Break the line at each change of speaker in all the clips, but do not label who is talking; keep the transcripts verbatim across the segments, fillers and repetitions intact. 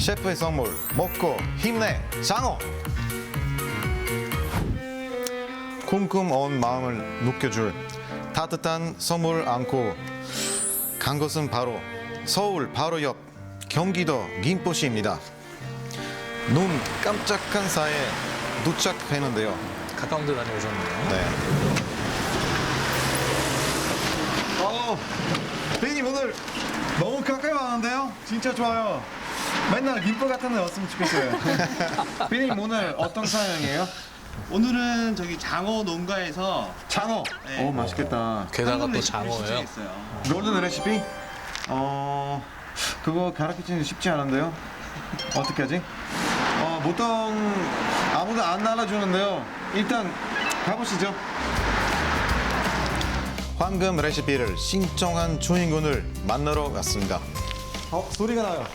셰프의 선물 먹고 힘내 장어. 쿰쿰 온 마음을 녹여줄 따뜻한 선물 안고 간 곳은 바로 서울 바로 옆 경기도 김포시입니다. 눈 깜짝한 사이에 도착했는데요.
가까운 데 다녀오셨네요.
네. 어, 비님 오늘 너무 가까이 왔는데요? 진짜 좋아요. 맨날 김포 같은 데 왔으면 좋겠어요. 비님 오늘 어떤 사연이에요?
오늘은 저기 장어 농가에서
장어.
네.
오 맛있겠다.
게다가
한국
또
레시피를
장어예요.
신청했어요.
골든 레시피? 어, 그거 가르치는 쉽지 않은데요. 어떻게 하지? 어, 보통 아무도 안 알아주는데요. 일단 가보시죠. 황금 레시피를 신청한 주인공을 만나러 갔습니다. 어, 소리가 나요.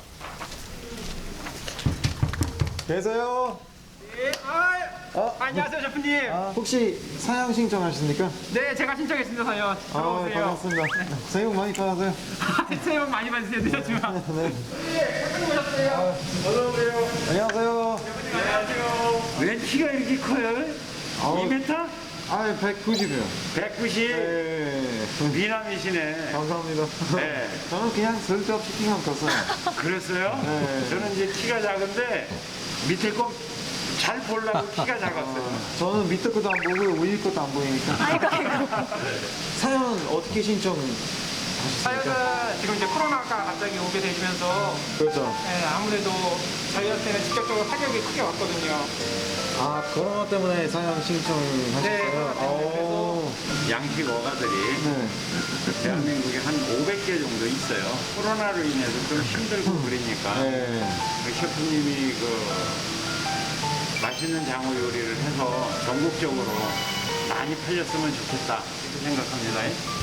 계세요?
예, 아,
어?
안녕하세요, 셰프님.
아, 혹시 사양 신청하십니까?
네, 제가 신청했습니다, 사연.
아,
들어오세요.
반갑습니다. 새해 복 많이 받으세요.
새해 복 많이 받으세요, 늦었지만.
네.
셰프님 오셨어요. 어서오세요.
안녕하세요.
안녕하세요. 왜 키가 이렇게 커요?
아우.
이 미터?
아, 백구십이요.
백구십.
네.
미남이시네.
감사합니다.
네.
저는 그냥 쓸데없이 키만 컸어요.
그랬어요?
네.
저는 이제 키가 작은데 밑에 거 잘 보려고 키가 작았어요.
저는 밑에 것도 안 보고 위에 것도 안 보이니까. 사연 어떻게 신청하셨습니까?
사연은 지금 이제 코로나가 갑자기 오게 되면서
그렇죠.
네, 아무래도 저희한테는 직접적으로 타격이 크게 왔거든요.
아, 코로나 때문에 사연 신청하셨어요?
네, 코로나 때문에
오.
양식 어가들이
네.
대한민국에 한 오백 개 정도 있어요. 코로나로 인해서 좀 힘들고 그러니까
네.
그 셰프님이 그 맛있는 장어 요리를 해서 전국적으로 많이 팔렸으면 좋겠다 이렇게 생각합니다.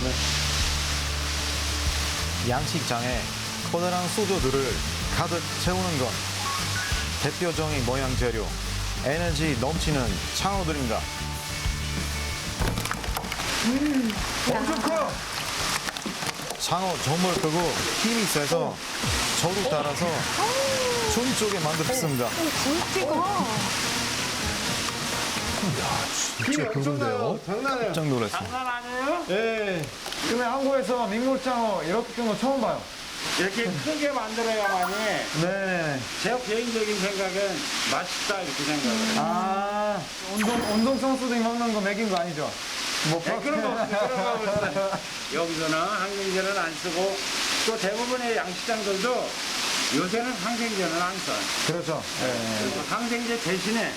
양식장에 커다란 수저들을 가득 채우는 건 대표적인 모양 재료, 에너지 넘치는 창어들입니다. 음, 엄청 커! 창어 정말 크고 힘이 세서 저도 따라서 춤 쪽에 만들었습니다.
진짜 그런데요.
장난이에요. 깜짝 놀랐어요.
장난 아니에요?
예. 근데 한국에서 민물장어 이렇게 큰 거 처음 봐요.
이렇게 크게 만들어야만이
네.
제 개인적인 생각은 맛있다 이렇게 생각을 해요.
아, 운동, 운동 선수들이 먹는 거 먹인 거 아니죠? 뭐,
네, 그런 거 없어요. 그런 거 없어요. 여기서는 항생제는 안 쓰고 또 대부분의 양식장들도 요새는 항생제는 안 써요.
그렇죠. 예.
그리고 항생제 대신에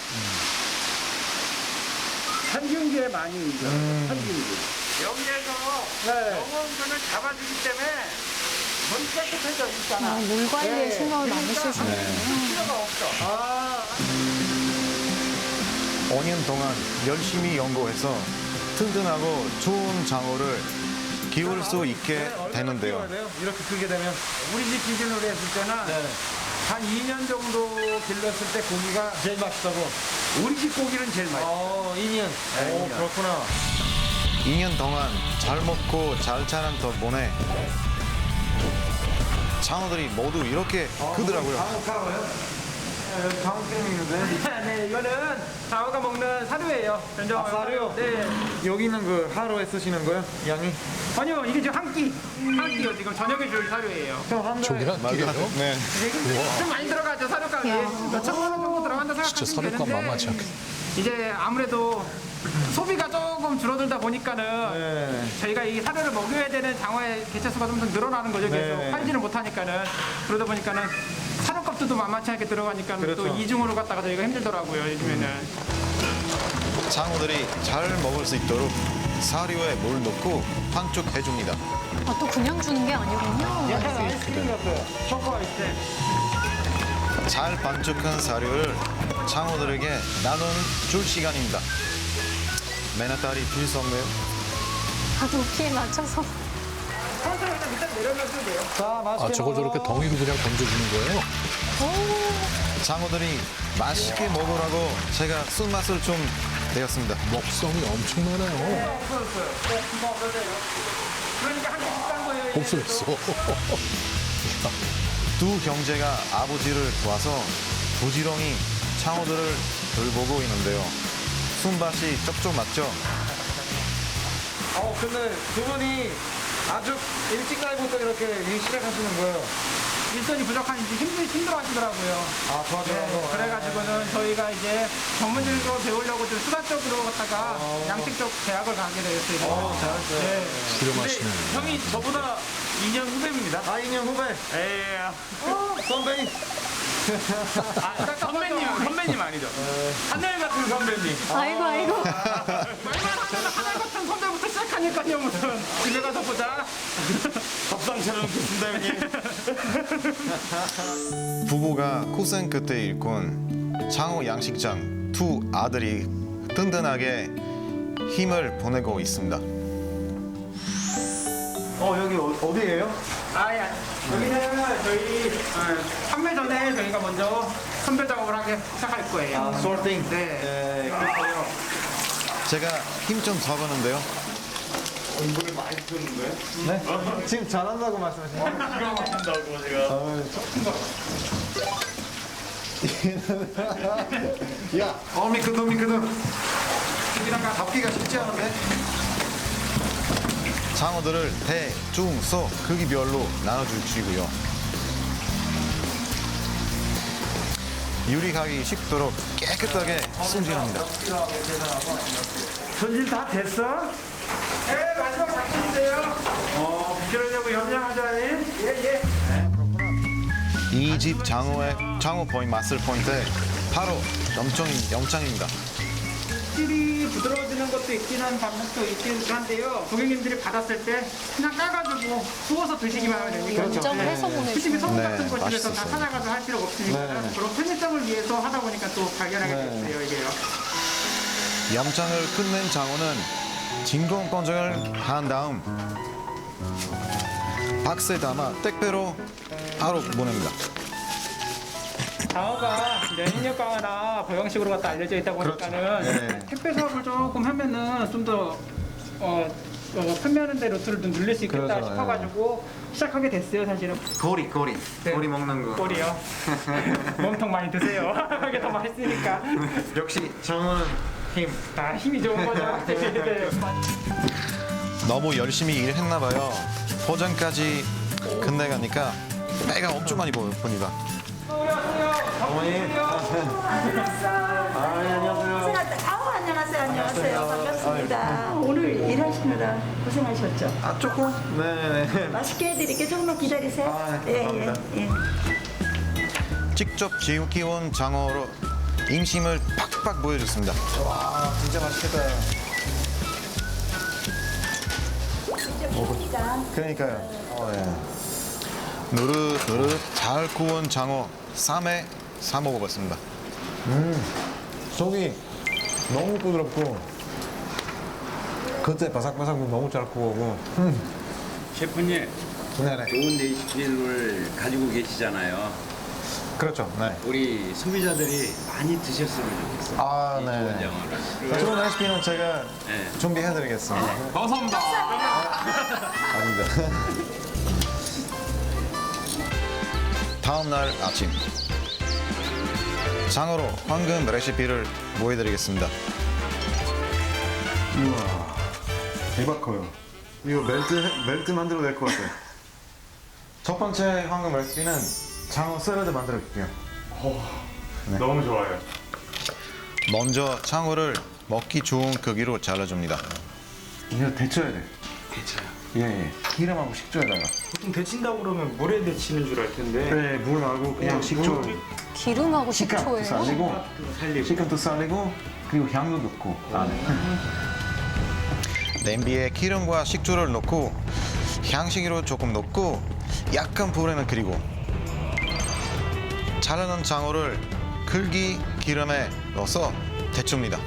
살균제 많이 의존해요.
음.
살균제.
여기에서
네.
영양분을 잡아주기 때문에 물 깨끗해져 있잖아.
아, 물 관리에 신경을 많이 쓰시네요.
필요가 없어.
아. 오 년 동안 열심히 연구해서 튼튼하고 좋은 장어를 키울 수 있게 되는데요.
이렇게 크게 되면 우리 집 기준으로 했을 때는 한 이 년 정도 길렀을 때 고기가
제일 맛있다고?
우리 집 고기는 제일 맛있어.
어, 이 년.
네,
오,
이 년.
그렇구나. 이 년 동안 잘 먹고 잘 자란 덕분에 장어들이 모두 이렇게 크더라고요. 장어 카고요? 여기 장어 크림 있는데.
네, 이거는 장어가 먹는 사료예요. 전정
아, 사료?
네.
여기 있는 그 하루에 쓰시는 거요? 양이?
아니요, 이게 지금 한 끼. 한 끼요. 지금 저녁에 줄 사료예요.
형, 한 달에.
저기랑 끼래요?
네.
좀 많이 들어가죠, 사료값이.
야.
몇 천만 원 정도 들어간다
진짜
생각하시면
사료값
되는데
만만치 않겠다.
이제 아무래도 소비가 조금 줄어들다 보니까는
네.
저희가 이 사료를 먹여야 되는 장어의 개체수가 좀 더 늘어나는 거죠. 계속
네.
팔지를 못하니까는 그러다 보니까는 사료값도 만만치 않게 들어가니까
그렇죠.
또 이중으로 갖다가 저희가 힘들더라고요. 요즘에는.
장어들이 잘 먹을 수 있도록 사료에 물 넣고 반죽해줍니다.
아, 또 그냥 주는 게 아니군요.
약간 아이스크림 같아요. 초코 아이스크림.
잘 반죽한 사료를 장어들에게 나눠줄 시간입니다. 맨아딸이 필수없네요.
다들 키에 맞춰서.
천천히 일단 밑에 내려놔도 돼요.
자, 맛있게
아, 저걸 저렇게 덩이로 그냥 던져주는 거예요?
장어들이 맛있게 먹으라고 제가 쓴맛을 좀 내었습니다.
먹성이 엄청나네요.
그러니까 한 개 비싼 거예요.
없어졌어.
두 형제가 아버지를 도와서 부지런히 창호들을 돌보고 있는데요. 손맛이 쩍쩍 맞죠?
어, 근데 두 분이 아주 일찍 날부터 이렇게 일 시작하시는 거예요.
일손이 부족하니까 힘들, 힘들어 하시더라고요.
아, 도와주라고.
네, 그래가지고는 저희가 이제 전문직으로 배우려고 좀 수다 쪽으로 갔다가 양식 쪽 대학을 가게 되었어요.
어, 잘했어요.
네.
수렴하시네요.
형이 저보다 이 년 후배입니다.
아, 이 년 후배.
예.
선배님.
아, 선배님, 선배님 아니죠. 하늘 같은 선배님.
아이고, 아이고.
말만 하면 하늘 같은 선배부터 시작하니까요, 무슨. 집에 가서 보자. 밥상 차려놓겠습니다, 형님.
부부가 고생 끝에 일꾼 창호 양식장 두 아들이 든든하게 힘을 보내고 있습니다.
어, 여기 어, 어디예요?
아, 예. 여기는 저희 어, 판매 전에 저희가 먼저 선별 작업을 하게 시작할 거예요.
아, sorting.
네.
네, 그렇군요.
제가 힘 좀 써보는데요.
네? 지금 잘한다고 말씀하시는 거예요? 야, 어, 미끄덩, 미끄덩. 잡기가 쉽지 않은데?
장어들을 대, 중, 소 크기별로 나눠주시고요. 유리하기 쉽도록 깨끗하게 손질합니다.
손질 다 됐어? 네, 마지막 작품인데요. 어, 그러려고 염려하자. 예, 예.
이 집 장어의 장어 포인트 마술 포인트 바로 염청 염장입니다.
질이 부드러워지는 것도 있긴 한 방법도 있긴 한데요. 고객님들이 받았을 때 그냥 까가지고 구워서 드시기만 하면 되니까.
연장해서
솔직히
보내주세요.
소금
네,
같은 거 집에서 다
맛있었어요.
찾아가서 할 필요가 없으니까
네.
그런 편의점을 위해서 하다 보니까 또 발견하게 됐어요, 이게요.
염장을 끝낸 장어는 진공 건조를 한 다음 박스에 담아 택배로 바로 보냅니다.
장어가 면역력 강화나 보양식으로 갖다 알려져 있다 보니까는
네.
택배 사업을 조금 하면은 좀 더 어, 어, 판매하는 데 루트를 좀 늘릴 수 있겠다
그렇죠,
싶어가지고 시작하게 됐어요, 사실은.
고리, 고리.
네.
고리 먹는 거.
꼴이요. 몸통 많이 드세요. 이게 더 맛있으니까.
역시 장어는 힘.
다 힘이 좋은 거죠. 네.
너무 열심히 일했나 봐요. 포장까지 끝내가니까 배가 엄청 많이 보- 봅니다.
어머니. 아, 안녕하세요.
아우 안녕하세요 안녕하세요 반갑습니다. 오늘 일하시느라 고생하셨죠?
아, 조금? 네네네.
맛있게 해드릴게요. 조금만 기다리세요.
아, 네, 감사합니다.
예, 예.
직접 키운 장어로 인심을 팍팍 보여줬습니다.
와, 진짜 맛있겠다.
직접 키우니까
그러니까요. 어, 예.
노릇노릇 잘 구운 장어 쌈에 사 먹어봤습니다.
속이 너무 부드럽고 겉에 바삭바삭도 너무 잘 구워고
셰프님,
네네.
좋은 레시피를 가지고 계시잖아요.
그렇죠. 네.
우리 소비자들이 많이 드셨으면 좋겠어요.
아,
이
네.
좋은 장어를.
좋은 레시피는 제가
네.
준비해드리겠습니다.
감사합니다.
아닙니다.
다음 날 아침 장어로 황금 레시피를 보여드리겠습니다. 우와 대박 커요. 이거 멜트 멜트 만들어 될 것 같아요.
첫 번째 황금 레시피는 장어 샐러드 만들어 볼게요.
너무 좋아요. 먼저 장어를 먹기 좋은 크기로 잘라줍니다.
이거 데쳐야 돼.
괜찮아요.
예, 예. 기름하고 식초에다가.
보통 데친다고 그러면 물에 데치는 줄 알 텐데.
네, 물 말고 그냥 식초.
기름하고
식감도
식초예요?
살리고, 식감도 살리고, 그리고 향도 넣고 안에.
냄비에 기름과 식초를 넣고 향신료 조금 넣고 약간 불에는 그리고 자르는 장어를 글기 기름에 넣어서 데칩니다.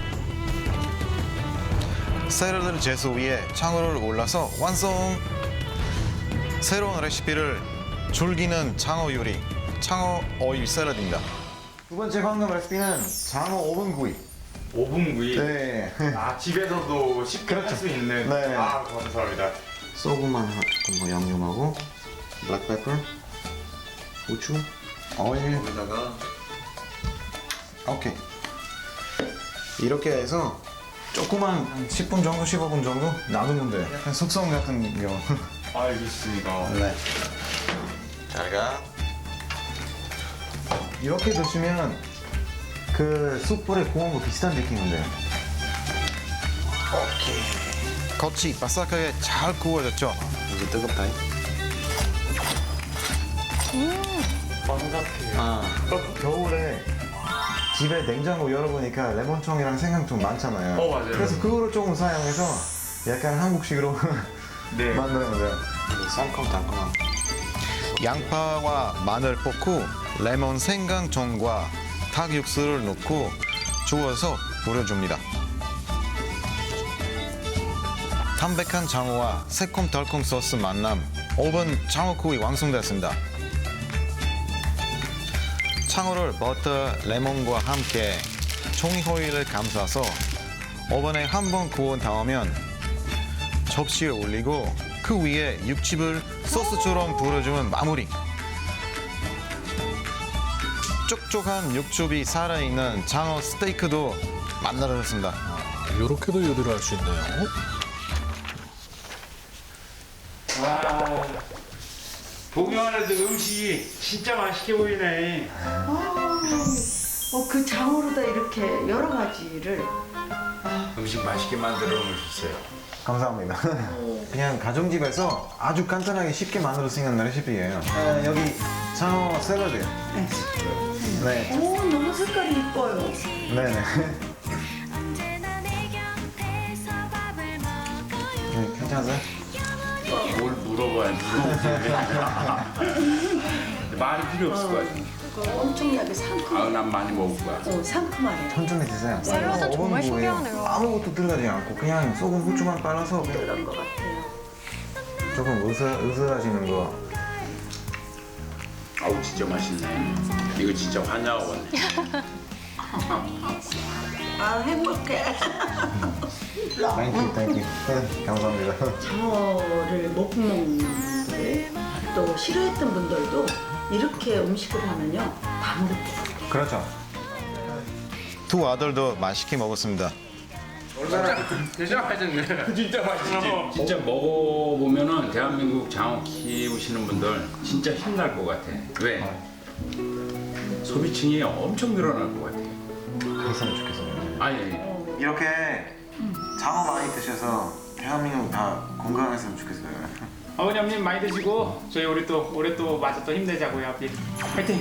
샐러드 제소 위에 장어를 올라서 완성! 새로운 레시피를 즐기는 장어 요리, 장어 오일 샐러드입니다.
두 번째 황금 레시피는 장어 오븐 구이.
오븐 구이.
네.
아, 집에서도 쉽게 할 수 있는.
네.
아, 감사합니다.
소금만 조금 더 양념하고, 블랙페퍼,
고추, 오일.
여기다가
오케이. 이렇게 해서 조그만 한 십 분 정도, 십오 분 정도 놔두면 돼. 약간 숙성 같은 거.
알겠습니다.
네. 잘 가. 이렇게 드시면 그 숯불에 구운 거 비슷한 느낌인데. 오케이. 겉이 바삭하게 잘 구워졌죠? 이제 뜨겁다.
바삭해요.
아, 겨울에 집에 냉장고 열어보니까 레몬청이랑 생강청 많잖아요.
어, 맞아요.
그래서 그거를 조금 사용해서 약간 한국식으로
네.
만들면 돼요. 쌍콤달콤한. 양파와 마늘 볶고 레몬 생강청과 닭 육수를 넣고 주워서 뿌려줍니다. 담백한 장어와 새콤달콤 소스 만남 오 분 장어구이 완성됐습니다. 창어를 버터, 레몬과 함께 종이 호일을 감싸서 오븐에 한 번 구운 다음면 접시에 올리고 그 위에 육즙을 소스처럼 부어주면 마무리. 촉촉한 육즙이 살아있는 장어 스테이크도 만들어졌습니다.
이렇게도 요리를 할 수 있네요.
와, 보기만 해도 음식이 진짜 맛있게 보이네.
어, 그 장어로다 이렇게 여러 가지를.
음식 맛있게 만들어 놓으셨어요.
감사합니다. 그냥 가정집에서 아주 간단하게 쉽게 만들 수 있는 레시피예요. 어, 여기 장어 샐러드. 네.
오, 너무 색깔이 이뻐요.
네네. 네, 괜찮으세요?
뭘 물어봐야 물어보지. 말이 필요 없을 것 같아.
그거 엄청나게 상큼.
아, 난 많이 먹을 거야.
어, 상큼하네요.
천천히 드세요.
샐러드
오븐
정말
구워요.
신기하네요.
아무것도 들어가지 않고 그냥 소금 후추만 빨아서 그냥
그런 것 같아요.
조금 으슬, 으슬하시는 거.
아우, 진짜 맛있네. 이거 진짜 환장하겠네.
아, 행복해.
땡큐, 땡큐. 네, 감사합니다.
장어를 못 먹는 분들, 또 싫어했던 분들도 이렇게 음식을 하면요, 다 먹게.
그렇죠. 두 아들도 맛있게 먹었습니다.
진짜 맛있네. 진짜 맛있지. 진짜 먹어보면은 대한민국 장어 키우시는 분들 진짜 힘날 것 같아. 왜? 소비층이 엄청 늘어날 것 같아.
그랬으면 좋겠어요.
아니, 아니.
이렇게 장어 많이 드셔서 대한민국 다 건강했으면 좋겠어요.
어머님 많이 드시고 저희 우리 또 올해 또 마저 또 힘내자고요. 앞뒤 파이팅!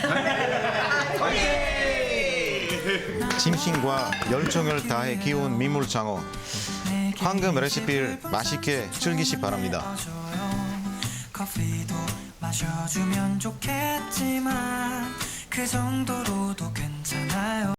심신과 열정을 다해 키운 민물장어. 황금 레시피를 맛있게 즐기시 바랍니다.
커피도 마셔주면 좋겠지만 그 정도로도 괜찮아요.